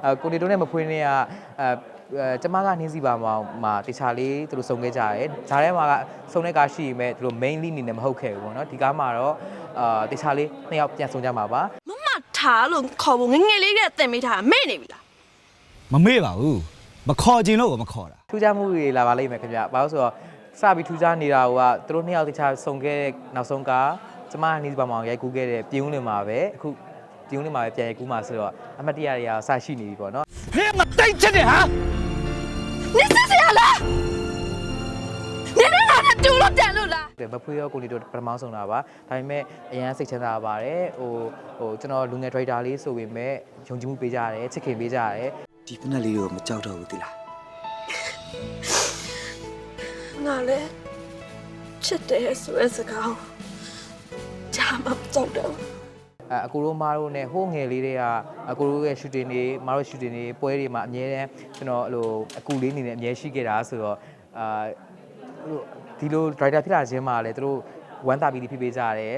ကိုနေတို့နဲ့မဖွေးနေကကျမကနှင်းစီပါမှာတခြားလေးသူတို့စုံခဲ့ကြတယ်။ဂျားထဲမှာကစုံတဲ့ကားရှိပေမဲ့သူတို့ mainly အနေနဲ့မဟုတ်ခဲ့ဘူးပေါ့နော်။ဒီကားမှာတော့တခြားလေးနှစ်ယောက်ပြန်ဆုံကြမှာပါ။မမထားလို့ခေါ်ဖို့ငငယ်လေးကတင်မိထားမေ့နေပြီလားမမေ့ပါဘူးမခေါ်ခြင်းလို့မခေါ်တာထူးခြားမှုတွေလာပါလိမ့်မယ်ခင်ဗျ။ဘာလို့ဆိုတော့စပြီးထူးခြားနေတာကသူတို့နှစ်ယောက်တခြားဆုံခဲ့တဲ့နောက်ဆုံးကကျမနှင်းစီပါမှာရိုက်ကူးခဲ့တဲ့ပြင်းဦးလင်မှာပဲအခုပြင်းဦးလင်မှာပဲပြန်ရိုက်ကူးမှာဆိုတော့အမတ်တရတွေကစရှိနေပြီပေါ့နော်ဟဲ့ငါတိတ်ချစ်တယ်ဟာနေစစ်စရာလားနေနဲ့ငါနဲ့တူလို့တန်လို့လားမဖွေးရောကိုနေတို့ပထမဆုံးတာပါဒါပေမဲ့အရန်စိတ်ချမ်းသာပါတယ်ဟိုကျွန်တော်လူငယ်ဒရိုက်တာလေးဆိုပေမဲ့ယုံကြည်မှုပေးကြရတယ်ချစ်ခင်ပေးကြရတယ်ဒီဖက်လေးကိုမကြောက်တော့ဘူးတိလားငါလည်းချစ်တယ်ဆိုတဲ့စကားဂျာမကြောက်တော့အကူတို့မားတို့နဲ့ဟိုးငယ်လေးတွေကအကူတို့ရဲ့ shooting တွေမားတို့ shooting တွေပွဲတွေမှာအများတန်းကျွန်တော်အဲ့လိုအကူလေးအနေနဲ့အများရှိခဲ့တာဆိုတော့ဒီလို driver ဖြစ်လာခြင်းမှာလည်းသူတို့ဝမ်းသာပြီးဖြစ်ပေးကြရတယ်